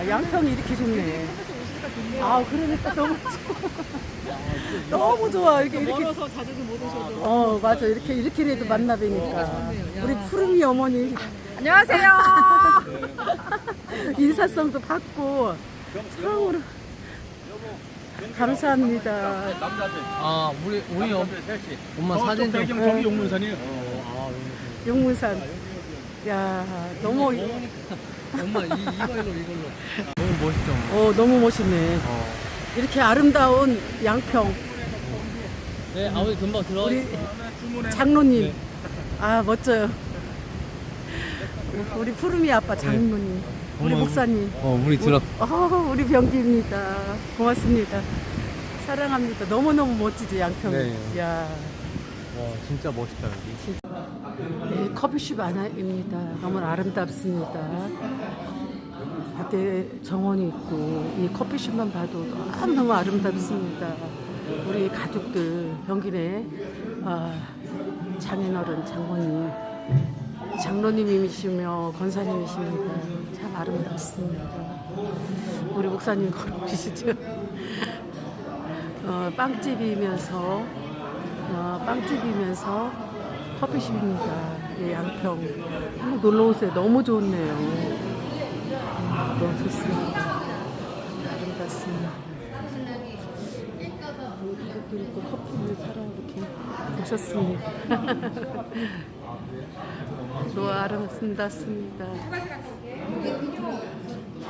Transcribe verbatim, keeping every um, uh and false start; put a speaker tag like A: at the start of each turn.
A: 양평이 이렇게 좋네. 아, 그러니까 너무 좋아. 너무 좋아. 이렇게, 이렇게.
B: 멀어서 자주는 못 오셔도.
A: 어, 맞아. 이렇게, 이렇게라도 만나 뵈니까. 우리 푸르미 어머니.
B: 안녕하세요.
A: 인사성도 받고. 처음으로. 감사합니다.
C: 아, 우리 우리 엄, 엄마 사진 좀.
D: 배경 저기 용문산이에요.
A: 용문산. 야, 너무,
C: 엄마 이 이걸로 이걸로. 너무 멋있죠. 엄마?
A: 어, 너무 멋있네.
C: 어.
A: 이렇게 아름다운 양평.
C: 네, 아버지 금방 들어가.
A: 우리 장로님. 아, 멋져요. 우리 푸르미 아빠 장로님. 우리
C: 어머,
A: 목사님.
C: 어, 우리 들어.
A: 어, 우리 병기입니다. 고맙습니다. 사랑합니다. 너무너무 멋지지, 양평이.
C: 네.
A: 야,
C: 와, 진짜 멋있다 여기.
A: 네, 커피숍 하나입니다. 너무 아름답습니다. 밖에 정원이 있고, 이 커피숍만 봐도 너무너무 아름답습니다. 우리 가족들, 병기네, 아, 장인어른, 장모님, 장로님이시며 권사님이십니다. 참 아름답습니다. 우리 목사님 걸어오시죠. 어, 빵집이면서 어, 빵집이면서 커피숍입니다. 예, 양평. 한번 놀러 오세요. 너무 좋네요. 음, 너무 좋습니다. 아름답습니다. 이것도 있고 커피를 사러 이렇게 오셨습니다. 너무 아름답습니다.